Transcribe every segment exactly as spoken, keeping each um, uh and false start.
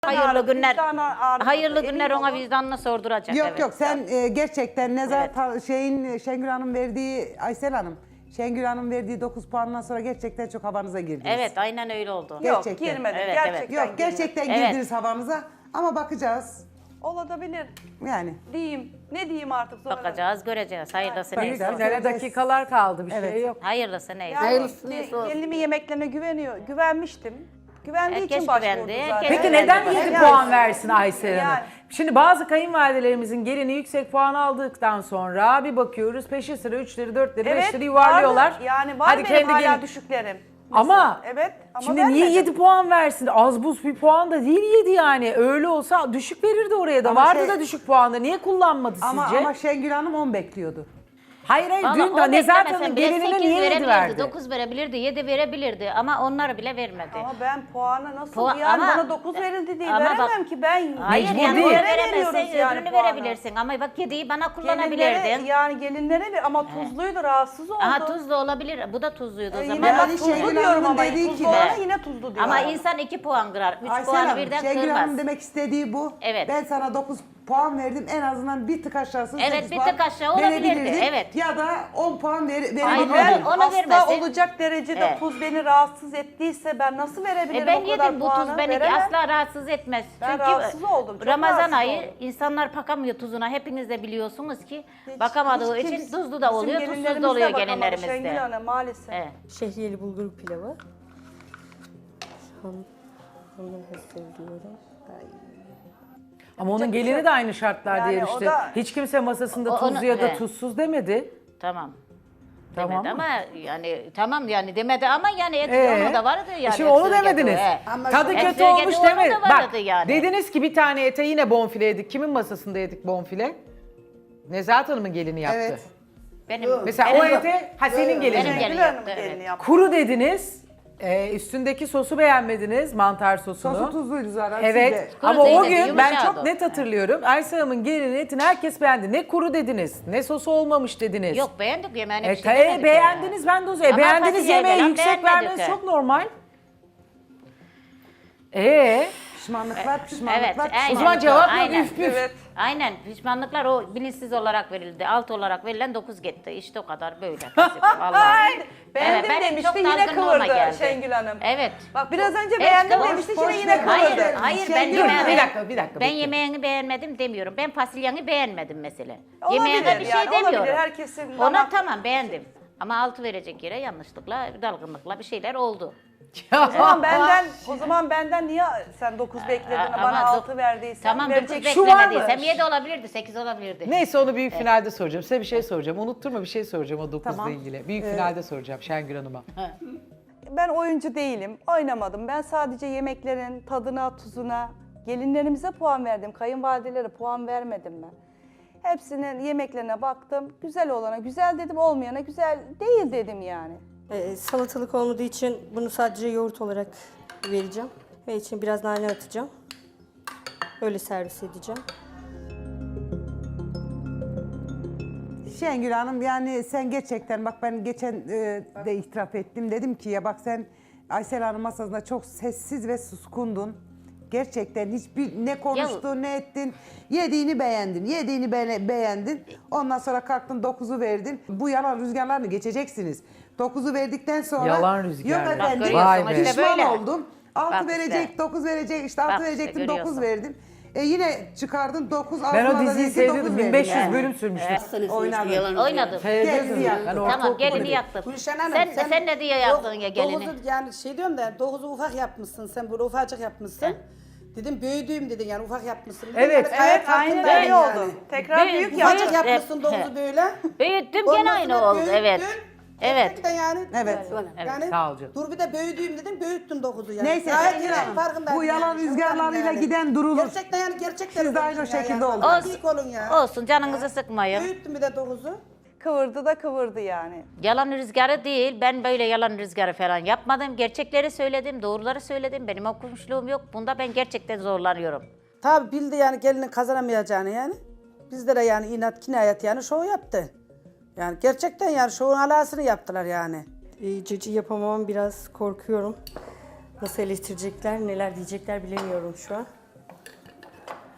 Hayırlı günler. vicdana ağrı- Hayırlı emin günler ona olun. vicdanına sorduracak. Yok evet. yok sen e, gerçekten Nezar Evet. ta- şeyin Şengül Hanım verdiği Aysel Hanım Şengül Hanım verdiği dokuz puandan sonra gerçekten çok havanıza girdiniz. Evet, aynen öyle oldu. Yok Gerçekten. girmedim. Evet, gerçekten Yok gerçekten Evet. girdiniz havanıza ama bakacağız. Olabilir. Yani Diyeyim. Ne diyeyim artık sonra? Bakacağız, göreceğiz. Hayırlısı Bakacağız. neyse. Finale dakikalar kaldı, bir Evet. şey yok. Hayırlısı neyse. Yani Hayırlısı ge- neyse olsun. Gelinimin yemeklerine güveniyor. Güvenmiştim. Güvendiği Herkes için başvurdu güvendi, zaten. herkes Peki Evet, neden evet. yedi Yani- puan versin Aysel Hanım? Yani. Şimdi bazı kayınvalidelerimizin gelini yüksek puan aldıktan sonra bir bakıyoruz peşi sıra üçleri, dörtleri, Evet, beşleri yuvarlıyorlar. vardı. Yani var Hadi benim kendi hala gelin- düşüklerim. Ama Evet ama şimdi niye vermedim. yedi puan versin? Az buz bir puan da değil yedi yani. Öyle olsa düşük verirdi oraya da. Ama Vardı şey- da düşük puanda. Niye kullanmadı ama sizce? ama Şengül Hanım on bekliyordu. hayır hayır Vallahi dün o de Nezahat beklemesen Hanım'ın bile gelinine sekiz niye yedi verebilirdi, verdi? dokuz verebilirdi, yedi verebilirdi ama onlar bile vermedi. Ama ben puanı nasıl Puan- yani ama- bana dokuz verildi diye ama veremem bak- ki ben. Hayır Mecbur yani değil. onu Gelinlere veremezsen veriyoruz yani öbürünü puanı. verebilirsin ama bak yediği bana Gelinlere, kullanabilirdin. yani gelinlere ver ama tuzluydu rahatsız oldu. Aha tuzlu olabilir, bu da tuzluydu o Ee, zaman. Yine bak Yani tuzlu Şengül diyorum Hanım'ın ama dediği tuzlu gibi- olana yine tuzlu diyor. Ama insan iki puan kırar, üç Aysel puanı Hanım, birden Şengül kırmaz. Hanım demek istediği bu. Evet. Ben sana dokuz puan verdim en azından bir tık aşağısı Evet, sekiz bir puan tık aşağı olabilirdi, verebilirdin. evet. Ya da on puan ver, Hayır, verebilirdin. Ben Onu- onu hasta vermesin. olacak derecede Evet. tuz beni rahatsız ettiyse ben nasıl verebilirim E ben o kadar yedim bu puanı? tuz beni Veremem. asla rahatsız etmez. Ben Çünkü rahatsız oldum, çok Ramazan rahatsız ayı oldum. insanlar bakamıyor tuzuna. Hepiniz de biliyorsunuz ki Hiç- bakamadığı hiç için kimse- tuzlu da bizim oluyor, tuzsuz gelinlerimiz da de oluyor bakamadı gelinlerimizde. Şengül Hanım maalesef. Evet. Şehriyeli bulgur pilavı. Hanım, hanım seviyorum. Ama onun Yapacak bir şey gelini yok. de aynı şartlarda Yani o yarıştı. da- Hiç kimse masasında O- tuzlu onu- ya da he. tuzsuz demedi. Tamam. Tamam Demedi mı? ama yani tamam yani demedi ama yani et Ee, onu da vardı yani. Şimdi onu Ekstra demediniz. getirdi, he. Ama Tadı Ekstra kötü olmuş getirdi, onu da demediniz. vardı Bak yani. dediniz ki bir tane ete yine bonfile yedik. Kimin masasında yedik bonfile? Nezahat Hanım'ın gelini yaptı. Evet. Benim, Mesela benim, o ete ha senin gelinin. Benim Şengül gelin Hanım yaptı, gelini evet. yaptı. Kuru dediniz. Ee, üstündeki sosu beğenmediniz, mantar sosunu. Sosu tuzluydu zaten. Evet siz de- Kuru ama o değil dedi, gün ben yumuşadı. çok net hatırlıyorum. Aysel Hanım'ın gelinin etini herkes beğendi. Ne kuru dediniz, ne sosu olmamış dediniz. Yok beğendik yemeğini E, bir şey ta- e, demedik beğendiniz ben de o zaman. Ama Beğendiniz fasulyeyi yemeği falan yüksek beğenmedik vermeniz de. çok normal. Ee, Pişmanlıklar, pişmanlıklar, Evet, pişmanlıklar. aynen. o zaman cevap yok Aynen. üf püf. Evet. Aynen pişmanlıklar o bilinçsiz olarak verildi. Alt olarak verilen dokuz gitti. İşte o kadar böyle. basit, Vallahi. Beğendim benim demişti çok yine dalgınlığıma kıvırdı geldi. Şengül Hanım. Evet. Bak biraz önce Hiç beğendim kıvır- demişti boş şimdi yine ver. kıvırdı. Hayır, hayır ben Şengül, yemeğini, bir dakika, bir dakika, ben bekle. yemeğini beğenmedim demiyorum. Ben fasulyeni beğenmedim mesela. Olabilir Yemeğine bir şey yani, olabilir. demiyorum. Herkesin Ona damak- tamam beğendim. Ama altı verecek yere yanlışlıkla, dalgınlıkla bir şeyler oldu. O zaman benden o zaman benden niye sen dokuz bekledin Ama bana dok- altı verdiysen Tamam dokuz verecek. Şu var mı? beklemediysem yedi olabilirdi, sekiz olabilirdi. Neyse onu büyük finalde soracağım. Size bir şey soracağım. Unutturma bir şey soracağım o dokuzla Tamam. ilgili. Büyük finalde soracağım Şengül Hanım'a. Ben oyuncu değilim. Oynamadım. Ben sadece yemeklerin tadına, tuzuna, gelinlerimize puan verdim. Kayınvalidelere puan vermedim ben. Hepsinin yemeklerine baktım. Güzel olana güzel dedim, olmayana güzel değil dedim yani. Ee, salatalık olmadığı için bunu sadece yoğurt olarak vereceğim. Ve için biraz nane atacağım. Öyle servis edeceğim. Şengül Hanım yani sen gerçekten bak ben geçen e, de itiraf ettim. Dedim ki ya bak sen Aysel Hanım masasında çok sessiz ve suskundun. Gerçekten hiçbir ne konuştun ne ettin. Yediğini beğendin. Yediğini be- beğendin. Ondan sonra kalktın dokuzu verdin. Bu yalan rüzgarlarını geçeceksiniz. dokuzu verdikten sonra Yalan rüzgarları. yok Bak efendim görüyorsun, Vay be. işte pişman böyle. oldum. altı Bak verecek, işte. dokuz verecek, işte altı Bak işte, verecektim, dokuz görüyorsun. verdim. E yine çıkardın dokuz, Ben o altına da diziyi dedin, seyrediyordum. dokuz bin verdin beş yüz yani. bölüm sürmüştü. Oynadım. Oynadım. Seyrediyordum. Gelini yaktın. Ben Tamam ortaokulda gelini değilim. yaktın. Gülşen Hanım, sen, sen, ne diye yaktın ya gelini? Dokuzu yani şey diyorum da dokuzu ufak yapmışsın sen böyle ufacık yapmışsın. Dedim büyüdüğüm dedin yani ufak yapmışsın. Evet. Yani gayet Evet aynen farkındayım öyle yani. oldu. Tekrar Büyük- büyük ufacık yaptım. Ufacık yapmışsın Hep- dokuzu böyle. Büyüttüm Ondan gene aynı sonra oldu. Evet. büyüttün. Evet. Gerçekten yani. Evet. Yani Sağ ol canım. dur bir de büyüdüğüm dedim büyüttüm dokuzu yani. Neyse, Gayet Şengül yani Hanım, farkındayım bu yalan yani. rüzgarlarıyla Yani. giden durulur. Gerçekten yani gerçekten. Siz de aynı o konuşun ya şekilde yani. olun. Olsun. olun ya. Olsun canınızı sıkmayın. Büyüttüm bir de dokuzu. Kıvırdı da kıvırdı yani. Yalan rüzgarı değil. Ben böyle yalan rüzgarı falan yapmadım. Gerçekleri söyledim, doğruları söyledim. Benim okumuşluğum yok. Bunda ben gerçekten zorlanıyorum. Tabi bildi yani gelinin kazanamayacağını yani. Bizlere yani inat kinayet yani şov yaptı. Yani gerçekten yani şovun alasını yaptılar yani. Ee, cacı yapamam biraz korkuyorum. Nasıl eleştirecekler, neler diyecekler bilemiyorum şu an.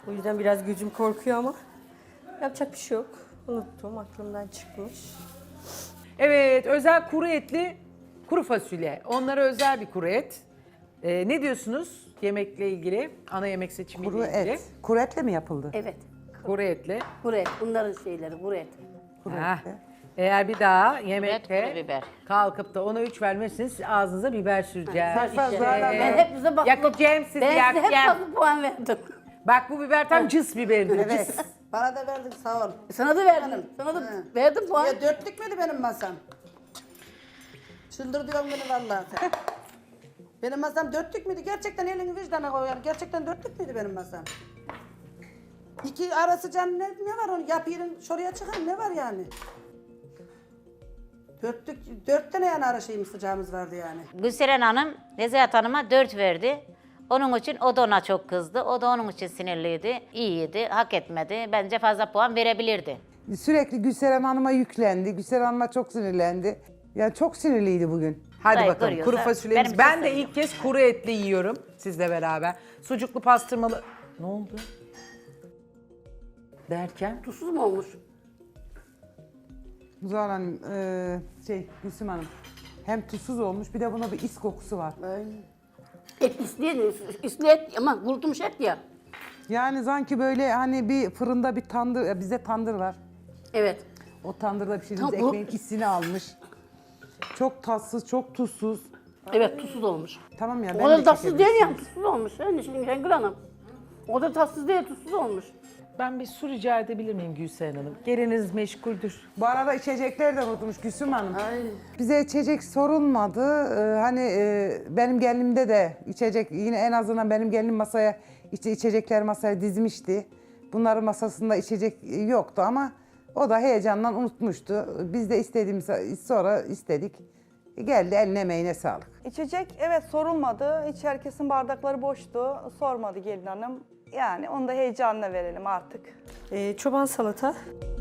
O yüzden biraz gözüm korkuyor ama yapacak bir şey yok. Unuttum, aklımdan çıkmış. Evet, özel kuru etli kuru fasulye. Onlara özel bir kuru et. Ee, ne diyorsunuz yemekle ilgili? Ana yemek seçimiyle Kuru ilgili. et. Kuru etle mi yapıldı? Evet. Kuru etli. Kuru et. Bunların şeyleri kuru et. Ha. Eğer bir daha Evet, yemekte kuru biber. kalkıp da ona üç vermezseniz ağzınıza biber süreceğiz. Ben hep size bak. Yakacağım sizi, Ben size hep yakacağım. fazla puan verdim. Bak bu biber tam cıs biberidir. Cıs. Bana da verdin sağ ol. Sana da verdim. Sana da verdim puan. Ya dörtlük müydü benim masam? Çıldır diyorum beni vallahi sen. Benim masam dörtlük müydü? Gerçekten elini vicdana koyuyorum. Gerçekten dörtlük müydü benim masam? İki arası can ne, ne var onu yapayım şuraya çıkar ne var yani? Dörtlük, dört tane yani ara şeyimiz sıcağımız vardı yani. Gülseren Hanım Nezahat Hanım'a dört verdi. Onun için o da ona çok kızdı. O da onun için sinirliydi. İyiydi, hak etmedi. Bence fazla puan verebilirdi. Sürekli Gülseren Hanım'a yüklendi. Gülseren Hanım'a çok sinirlendi. Yani çok sinirliydi bugün. Hadi Burayı bakalım görüyorsa kuru fasulyemiz. benim Ben için de sayılır. ilk kez kuru etli yiyorum sizle beraber. Sucuklu pastırmalı... Ne oldu? Derken? Tuzsuz mu olmuş? Zuhal Hanım, e, şey Gülsüm Hanım. Hem tuzsuz olmuş bir de buna bir is kokusu var. Et isli, isli et ama kurutulmuş et ya. Yani sanki böyle hani bir fırında bir tandır, ya bizde tandır var. Evet. O tandırda pişirdiğimiz Tam bu- ekmeğin hissini almış. Çok tatsız, çok tuzsuz. Evet tuzsuz olmuş. Tamam ya O ben kadar de tatsız değil çekebilirim. ya, tuzsuz olmuş. Yani şimdi Şengül Hanım. O da tatsız değil, tuzsuz olmuş. Ben bir su rica edebilir miyim Gülseren Hanım? Geliniz meşguldür. Bu arada içecekleri de unutmuş Gülsüm Hanım. Bize içecek sorulmadı. Ee, hani e, benim gelinimde de içecek, yine en azından benim gelinim masaya, işte içecekler masaya dizmişti. Bunların masasında içecek yoktu ama o da heyecandan unutmuştu. Biz de istediğimiz sonra istedik. Geldi, eline emeğine sağlık. İçecek evet sorulmadı. Hiç herkesin bardakları boştu. Sormadı gelin hanım. Yani onu da heyecanla verelim artık. Ee, çoban salata.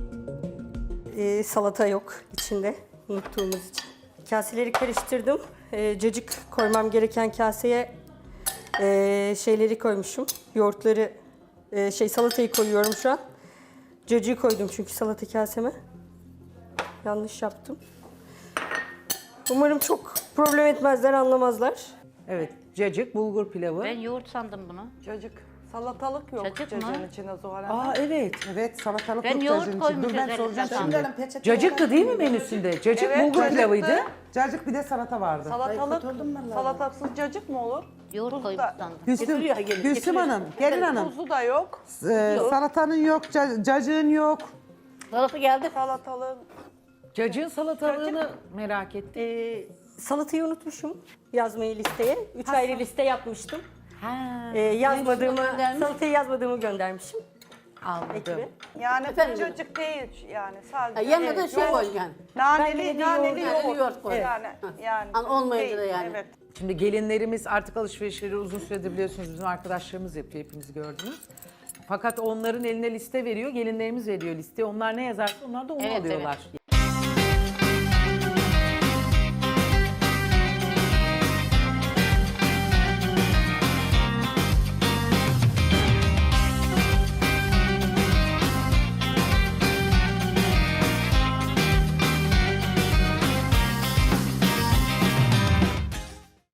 Ee, salata yok içinde unuttuğumuz için. Kaseleri karıştırdım. Ee, cacık koymam gereken kaseye ee, şeyleri koymuşum. Yoğurtları, ee, şey salatayı koyuyorum şu an. Cacığı koydum çünkü salata kaseme. Yanlış yaptım. Umarım çok problem etmezler, anlamazlar. Evet, cacık, bulgur pilavı. Ben yoğurt sandım bunu. Cacık. Salatalık yok Cacık mı? cacığın içinde Zuhal Hanım. Aa evet. Evet, salatalık Ben yok yoğurt cacığın koymuş içinde. Dur ben üzerine soracağım zaten. şimdi. Şimdi peçete Cacıktı değil mi menüsünde? Cacık, Evet, bulgur cacıktı. pilavıydı. Cacık bir de salata vardı. Salatalık, kurtuldum ben salatasız cacık mı olur? Yoğurt Tuz koymuş da- sandım. Gülsüm, Getiriyor, gelin, Gülsüm getiriyor. Hanım, gelin hanım. Tuzu da yok. Ee, salatanın yok, ca- cacığın yok. Salata geldi. Salatalık. Cacığın salatalığını merak ettim. Ee, salatayı unutmuşum yazmayı listeye. Üç ayrı liste yapmıştım. Ha, Ee, yazmadığımı, göndermiş. salatayı yazmadığımı göndermişim. anladım. Ekibe. Yani Efendim? cacık değil yani Ha, sadece. yanına da Evet, şey yoğurt. koy yani. Ben Naneli, yine de naneli yoğurt- yoğurt. naneli yoğurt koy. Yani, yani. Hani olmayınca da değil, yani. Evet. Şimdi gelinlerimiz artık alışverişleri uzun süredir biliyorsunuz bizim arkadaşlarımız yapıyor, hepimiz gördünüz. Fakat onların eline liste veriyor, gelinlerimiz veriyor liste. Onlar ne yazarsa onlar da onu Evet, alıyorlar.